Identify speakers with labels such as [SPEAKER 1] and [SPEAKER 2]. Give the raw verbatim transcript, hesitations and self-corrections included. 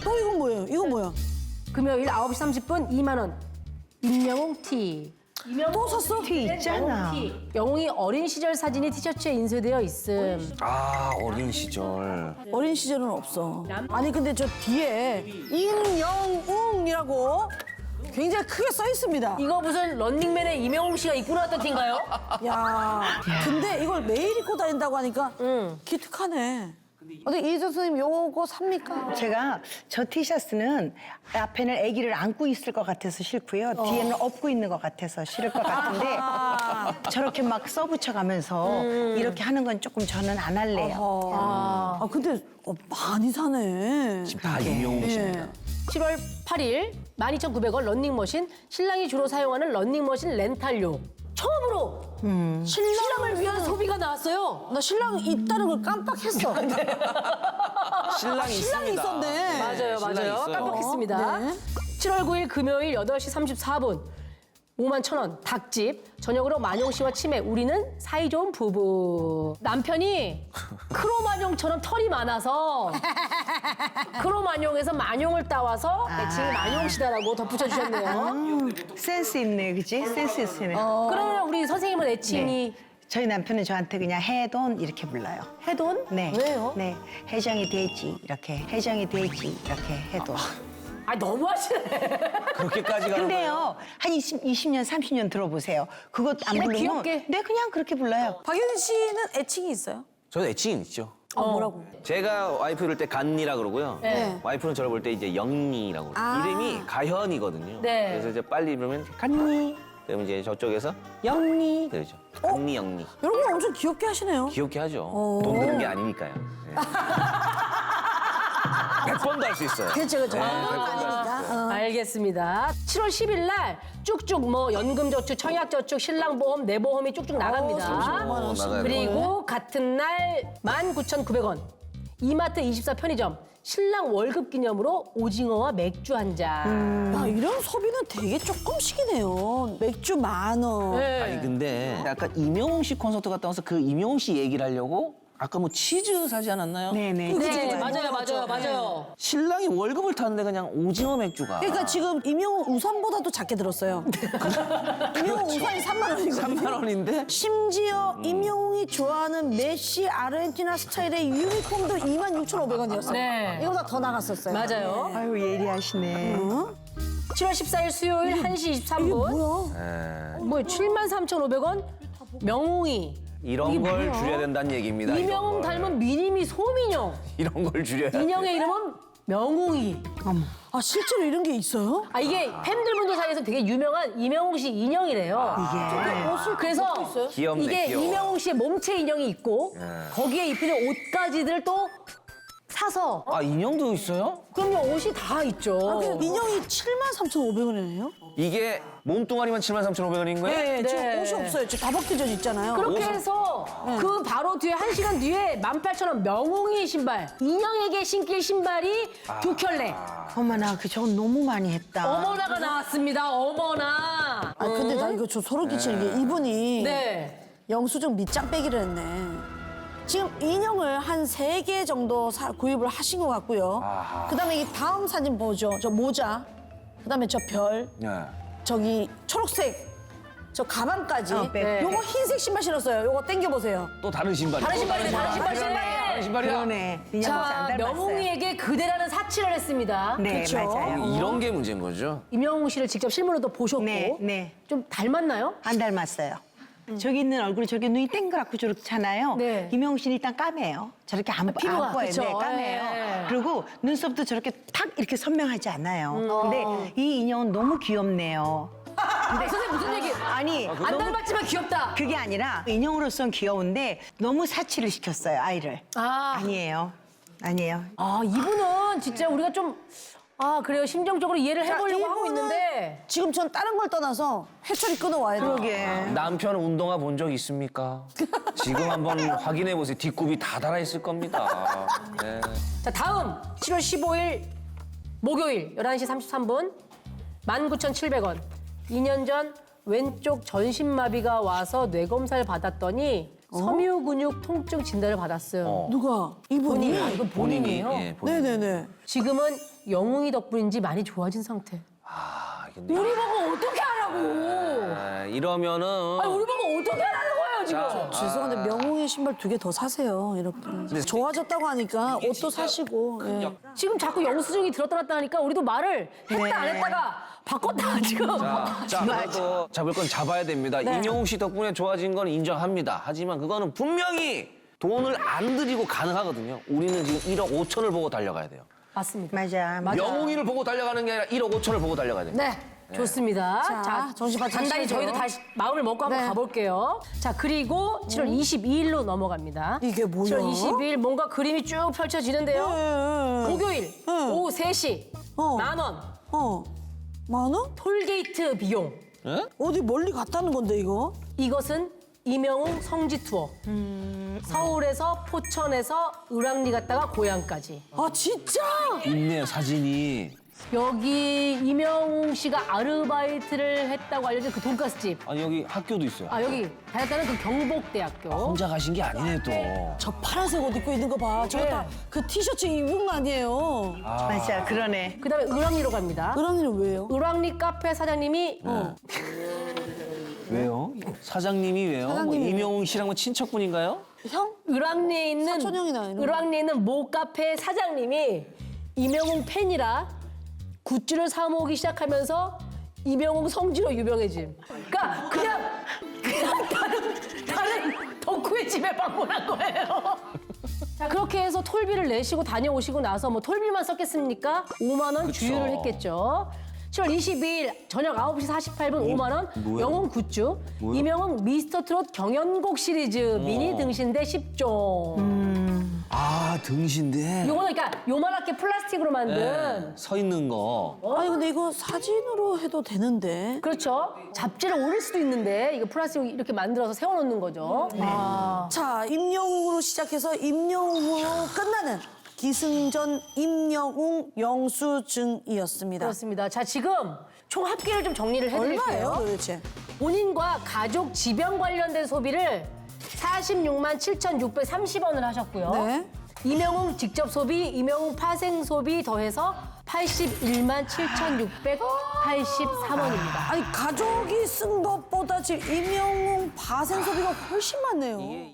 [SPEAKER 1] 또 이건 뭐예요? 이건 뭐야?
[SPEAKER 2] 금요일 아홉 시 삼십 분 이만 원. 임영웅 티.
[SPEAKER 1] 또 샀어?
[SPEAKER 3] 티 있잖아.
[SPEAKER 2] 영웅이 어린 시절 사진이 티셔츠에 인쇄되어 있음.
[SPEAKER 4] 아, 어린 시절.
[SPEAKER 1] 어린 시절은 없어. 아니 근데 저 뒤에 임영웅이라고 굉장히 크게 써 있습니다.
[SPEAKER 2] 이거 무슨 런닝맨의 임영웅 씨가 입고 나왔던 티인가요?
[SPEAKER 1] 야, 근데 이걸 매일 입고 다닌다고 하니까
[SPEAKER 2] 응.
[SPEAKER 1] 기특하네. 어때 이희정 선생님 요거 삽니까?
[SPEAKER 3] 제가 저 티셔츠는 앞에는 아기를 안고 있을 것 같아서 싫고요. 뒤에는 업고 있는 것 같아서 싫을 것 같은데 저렇게 막 써붙여가면서 이렇게 하는 건 조금 저는 안 할래요.
[SPEAKER 1] 아, 아 근데 어, 많이 사네.
[SPEAKER 4] 지금 다 임영웅 씨입니다.
[SPEAKER 1] 예.
[SPEAKER 2] 칠월 팔일 만 이천구백 원 런닝머신. 신랑이 주로 사용하는 런닝머신 렌탈료. 처음으로 신랑을 위한 소비가 나왔어요.
[SPEAKER 1] 나 신랑 있다는 걸 깜빡했어.
[SPEAKER 4] 신랑이
[SPEAKER 1] 신랑이
[SPEAKER 4] 있습니다.
[SPEAKER 1] 있었네.
[SPEAKER 2] 맞아요,
[SPEAKER 4] 신랑이
[SPEAKER 2] 맞아요.
[SPEAKER 4] 있어요.
[SPEAKER 2] 깜빡했습니다.
[SPEAKER 1] 네.
[SPEAKER 2] 칠월 구일 금요일 여덟 시 삼십사 분. 오만 천 원 닭집. 저녁으로 만용 씨와 치맥. 우리는 사이좋은 부부. 남편이 크로만용처럼 털이 많아서 크로만용에서 만용을 따와서 애칭이 만용 씨다라고 덧붙여주셨네요.
[SPEAKER 3] 센스 있네, 그지? 센스 있네.
[SPEAKER 2] 그러면 우리 선생님은 애칭이
[SPEAKER 3] 저희 남편은 저한테 그냥 해돈 이렇게 불러요.
[SPEAKER 2] 해돈?
[SPEAKER 3] 네.
[SPEAKER 2] 왜요?
[SPEAKER 3] 네. 해정이 되지 이렇게. 해정이 되지 이렇게 해돈.
[SPEAKER 2] 아 너무하시네.
[SPEAKER 4] 그렇게까지 가는 거예요?
[SPEAKER 3] 근데요, 한 이십, 이십 년, 삼십 년 들어보세요. 그것 안
[SPEAKER 2] 그냥
[SPEAKER 3] 부르면
[SPEAKER 2] 귀엽게.
[SPEAKER 3] 네, 그냥 그렇게 불러요.
[SPEAKER 1] 박효진 씨는 애칭이 있어요?
[SPEAKER 4] 저는 애칭이 있죠.
[SPEAKER 1] 어, 뭐라고?
[SPEAKER 4] 제가 와이프 이럴 때 간니라 그러고요.
[SPEAKER 2] 네.
[SPEAKER 4] 와이프는 저를 볼 때 이제 영니라고 그래요.
[SPEAKER 1] 아.
[SPEAKER 4] 이름이 가현이거든요.
[SPEAKER 2] 네.
[SPEAKER 4] 그래서 이제 빨리 부르면 간니. 그러면 이제 저쪽에서 영니 그러죠. 간니 영니.
[SPEAKER 1] 이런 거 엄청 귀엽게 하시네요.
[SPEAKER 4] 귀엽게 하죠.
[SPEAKER 1] 어.
[SPEAKER 4] 돈 드는 게 아니니까요. 네. 백 번도 할 수 있어요.
[SPEAKER 1] 그렇죠, 그렇죠.
[SPEAKER 4] 네,
[SPEAKER 1] 아,
[SPEAKER 4] 백 번도 할수
[SPEAKER 1] 아니니까.
[SPEAKER 4] 있어요.
[SPEAKER 1] 어.
[SPEAKER 2] 알겠습니다. 칠월 십일 날 쭉쭉 뭐 연금저축, 청약저축, 신랑보험, 내 보험이 쭉쭉 나갑니다.
[SPEAKER 1] 삼십오만 원.
[SPEAKER 4] 어, 나가야
[SPEAKER 2] 그리고 같은 날 만 구천구백 원. 이마트 이십사 편의점. 신랑 월급 기념으로 오징어와 맥주 한 잔.
[SPEAKER 1] 야, 이런 소비는 되게 조금씩이네요. 맥주 만 원.
[SPEAKER 2] 네.
[SPEAKER 4] 아니 근데 약간 임영웅 씨 콘서트 갔다 와서 그 임영웅 씨 얘기를 하려고 아까 뭐 치즈 사지 않았나요?
[SPEAKER 3] 네네.
[SPEAKER 1] 그죠,
[SPEAKER 2] 네,
[SPEAKER 1] 그죠.
[SPEAKER 2] 맞아요, 맞아요, 맞아요.
[SPEAKER 4] 신랑이 월급을 탔는데 그냥 오징어 맥주가
[SPEAKER 1] 그러니까 지금 임영웅 우산보다도 작게 들었어요. 임영웅 우산이 삼만 원이거든요.
[SPEAKER 4] 삼만 원인데
[SPEAKER 1] 심지어 임영웅이 좋아하는 메시 아르헨티나 스타일의 유니폼도 이만 육천오백 원이었어요.
[SPEAKER 2] 네.
[SPEAKER 1] 이거보다 더 나갔었어요.
[SPEAKER 2] 맞아요.
[SPEAKER 3] 아유, 예리하시네.
[SPEAKER 2] 칠월 십사일 수요일 한 시 이십삼 분.
[SPEAKER 1] 이게 뭐야?
[SPEAKER 4] 에,
[SPEAKER 2] 뭐 칠만 삼천오백 원? 명웅이.
[SPEAKER 4] 이런 걸 줄여야 된다는 얘기입니다. 이런
[SPEAKER 2] 이명웅
[SPEAKER 4] 걸.
[SPEAKER 2] 닮은 미니미 소민영.
[SPEAKER 4] 이런 걸 줄여야 돼.
[SPEAKER 2] 인형의 이름은 명웅이.
[SPEAKER 1] 아 실제로 이런 게 있어요?
[SPEAKER 2] 아 이게 팬들분들 사이에서 되게 유명한 이명웅 씨 인형이래요.
[SPEAKER 3] 이게.
[SPEAKER 2] 옷을 그래서
[SPEAKER 4] 귀엽네,
[SPEAKER 2] 이게
[SPEAKER 4] 귀여워.
[SPEAKER 2] 이명웅 씨의 몸체 인형이 있고
[SPEAKER 4] 예.
[SPEAKER 2] 거기에 입히는 옷가지들 또 사서
[SPEAKER 4] 아 인형도 있어요?
[SPEAKER 2] 그럼요 옷이 다 있죠.
[SPEAKER 1] 아, 근데 인형이 칠만 삼천오백 원이네요?
[SPEAKER 4] 이게 몸뚱아리만 칠만 삼천오백 원인 거예요?
[SPEAKER 1] 네,
[SPEAKER 2] 네.
[SPEAKER 1] 지금 옷이 없어요. 지금 다 벗겨져 있잖아요.
[SPEAKER 2] 그렇게
[SPEAKER 4] 옷을-
[SPEAKER 2] 해서 그 바로 뒤에 한 시간 뒤에 만 팔천 원 명웅이 신발 인형에게 신길 신발이 두 켤레
[SPEAKER 3] 어머나, 그 저건 너무 많이 했다.
[SPEAKER 2] 어머나가 나왔습니다. 어머나.
[SPEAKER 1] 아 근데 나 이거 저 소름 끼치는 게 이분이
[SPEAKER 2] 네.
[SPEAKER 1] 영수증 밑장 빼기를 했네. 지금 인형을 한 세 개 정도 사- 구입을 하신 것 같고요.
[SPEAKER 4] 아하.
[SPEAKER 1] 그다음에 이 다음 사진 보죠. 저 모자, 그다음에 저 별,
[SPEAKER 4] 네.
[SPEAKER 1] 저기 초록색 저 가방까지.
[SPEAKER 3] 어, 백.
[SPEAKER 1] 요거 흰색 신발 신었어요. 요거 당겨 보세요.
[SPEAKER 4] 또 다른 신발이.
[SPEAKER 2] 다른
[SPEAKER 4] 또
[SPEAKER 2] 신발이네, 다른 신발,
[SPEAKER 4] 다른
[SPEAKER 2] 신발.
[SPEAKER 4] 신발이야.
[SPEAKER 3] 그러네. 인형
[SPEAKER 2] 자,
[SPEAKER 3] 안 닮았어요.
[SPEAKER 2] 명웅이에게 그대라는 사치를 했습니다.
[SPEAKER 3] 네,
[SPEAKER 1] 그쵸?
[SPEAKER 3] 맞아요.
[SPEAKER 4] 이런 게 문제인 거죠.
[SPEAKER 2] 임영웅 씨를 직접 실물로도 보셨고
[SPEAKER 3] 네, 네.
[SPEAKER 2] 좀 닮았나요?
[SPEAKER 3] 안 닮았어요. 저기 있는 얼굴이 저렇게 눈이 땡그랗고 저렇잖아요.
[SPEAKER 2] 네.
[SPEAKER 3] 김영웅 씨는 일단 까매요. 저렇게 안,
[SPEAKER 2] 피부가,
[SPEAKER 3] 안 보여요.
[SPEAKER 2] 그쵸.
[SPEAKER 3] 네, 까매요.
[SPEAKER 2] 예.
[SPEAKER 3] 그리고 눈썹도 저렇게 탁 이렇게 선명하지 않아요.
[SPEAKER 2] 음.
[SPEAKER 3] 근데 이 인형은 너무 귀엽네요.
[SPEAKER 2] 근데 선생님 무슨 얘기?
[SPEAKER 3] 아니,
[SPEAKER 2] 안
[SPEAKER 3] 너무-
[SPEAKER 2] 닮았지만 귀엽다.
[SPEAKER 3] 그게 아니라 인형으로선 귀여운데 너무 사치를 시켰어요, 아이를.
[SPEAKER 2] 아,
[SPEAKER 3] 아니에요. 아니에요.
[SPEAKER 2] 아 이분은 진짜 우리가 좀 아 그래요 심정적으로 이해를 해보려고 하고
[SPEAKER 1] 이분은
[SPEAKER 2] 있는데
[SPEAKER 1] 지금 전 다른 걸 떠나서 회초리 끊어와야 돼요.
[SPEAKER 3] 그러게.
[SPEAKER 4] 남편 운동화 본 적 있습니까? 지금 한번 확인해 보세요. 뒷굽이 다 달아 있을 겁니다. 네.
[SPEAKER 2] 자 다음 칠월 십오일 목요일 열한 시 삼십삼 분 만 구천칠백 원 이 년 전 왼쪽 전신마비가 와서 뇌검사를 받았더니 섬유 근육 통증 진단을 받았어요.
[SPEAKER 4] 어.
[SPEAKER 1] 누가? 이분이?
[SPEAKER 2] 본인이? 아, 이건 본인이에요?
[SPEAKER 4] 예, 본인이.
[SPEAKER 1] 네네네.
[SPEAKER 2] 지금은 영웅이 덕분인지 많이 좋아진 상태.
[SPEAKER 4] 아, 근데
[SPEAKER 2] 우리 보고 어떻게 하라고?
[SPEAKER 4] 아, 이러면은
[SPEAKER 2] 아니, 우리 보고 어떻게 하라는 거예요, 지금?
[SPEAKER 4] 자,
[SPEAKER 1] 죄송한데 명웅의 신발 두 개 더 사세요. 이렇게. 좋아졌다고 하니까 옷도 사시고. 예.
[SPEAKER 2] 지금 자꾸 영수증이 들었다 놨다 하니까 우리도 말을 했다 안 했다가 바꿨다, 지금.
[SPEAKER 4] 자, 자, 그래도 잡을 건 잡아야 됩니다.
[SPEAKER 2] 네.
[SPEAKER 4] 임영웅 씨 덕분에 좋아진 건 인정합니다. 하지만 그거는 분명히 돈을 안 들이고 가능하거든요. 우리는 지금 일억 오천을 보고 달려가야 돼요.
[SPEAKER 2] 맞습니다.
[SPEAKER 3] 맞아. 맞아.
[SPEAKER 4] 영웅이를 보고 달려가는 게 아니라 일억 오천을 보고 달려가야 돼요.
[SPEAKER 2] 네. 좋습니다.
[SPEAKER 1] 자, 정신 바짝
[SPEAKER 2] 단단히
[SPEAKER 1] 차리세요.
[SPEAKER 2] 저희도 다시 마음을 먹고 한번
[SPEAKER 1] 네.
[SPEAKER 2] 가볼게요. 자, 그리고 칠월 이십이일로 넘어갑니다.
[SPEAKER 1] 이게 뭐야?
[SPEAKER 2] 칠월 이십이일 뭔가 그림이 쭉 펼쳐지는데요.
[SPEAKER 1] 예, 예.
[SPEAKER 2] 목요일 오후 세 시
[SPEAKER 1] 어.
[SPEAKER 2] 만 원
[SPEAKER 1] 어. 만 원?
[SPEAKER 2] 톨게이트 비용.
[SPEAKER 4] 예?
[SPEAKER 1] 어디 멀리 갔다는 건데 이거?
[SPEAKER 2] 이것은 임영웅 성지 투어. 서울에서 포천에서 을왕리 갔다가 고향까지.
[SPEAKER 1] 아 진짜?
[SPEAKER 4] 있네요, 사진이.
[SPEAKER 2] 여기 임영웅 씨가 아르바이트를 했다고 알려진 그 돈가스 집.
[SPEAKER 4] 아니, 여기 학교도 있어요.
[SPEAKER 2] 아 여기 다녔다는 그 경복대학교.
[SPEAKER 4] 혼자 가신 게 아니네, 또.
[SPEAKER 1] 저 파란색 옷 입고 있는 거 봐. 저거
[SPEAKER 2] 네.
[SPEAKER 1] 다 그 티셔츠 입은 거 아니에요?
[SPEAKER 3] 맞아. 그러네.
[SPEAKER 2] 그다음에 을왕리로 갑니다.
[SPEAKER 1] 그러면 왜요?
[SPEAKER 2] 을왕리 카페 사장님이 어,
[SPEAKER 4] 왜요? 사장님이 왜요?
[SPEAKER 1] 사장님이
[SPEAKER 4] 뭐 임영웅 씨랑 뭐 친척분인가요?
[SPEAKER 1] 형?
[SPEAKER 2] 을왕리에 있는
[SPEAKER 1] 사촌형이나 이런 거.
[SPEAKER 2] 을왕리에 있는 모 카페 사장님이 임영웅 팬이라 굿즈를 사 모으기 시작하면서 임영웅 성지로 유명해짐. 그러니까 그냥 그냥 다른 다른 덕후의 집에 방문한 거예요. 자 그렇게 해서 톨비를 내시고 다녀오시고 나서 뭐 톨비만 썼겠습니까? 오만 원
[SPEAKER 4] 그쵸.
[SPEAKER 2] 주유를 했겠죠. 칠월 이십이일 저녁 아홉 시 사십팔 분 오만 원
[SPEAKER 4] 뭐야?
[SPEAKER 2] 영웅 굿즈
[SPEAKER 4] 뭐야?
[SPEAKER 2] 임영웅 미스터 트롯 경연곡 시리즈 미니 등신대 십 종.
[SPEAKER 4] 아, 등신대.
[SPEAKER 2] 요거는 그러니까 요만하게 플라스틱으로 만든
[SPEAKER 4] 네, 서 있는 거.
[SPEAKER 1] 아니 근데 이거 사진으로 해도 되는데.
[SPEAKER 2] 그렇죠. 잡지를 올릴 수도 있는데 이거 플라스틱 이렇게 만들어서 세워놓는 거죠. 아.
[SPEAKER 1] 자, 임영웅으로 시작해서 임영웅으로 끝나는 기승전 임영웅 영수증이었습니다.
[SPEAKER 2] 그렇습니다. 자 지금 총 합계를 좀 정리를 해드릴게요.
[SPEAKER 1] 얼마예요 도대체?
[SPEAKER 2] 본인과 가족 질병 관련된 소비를 사십육만 칠천육백삼십 원을 하셨고요.
[SPEAKER 1] 네.
[SPEAKER 2] 임영웅 직접 소비, 임영웅 파생 소비 더해서 팔십일만 칠천육백팔십삼 원입니다.
[SPEAKER 1] 아니 가족이 쓴 것보다 지금 임영웅 바생 소비가 훨씬 많네요.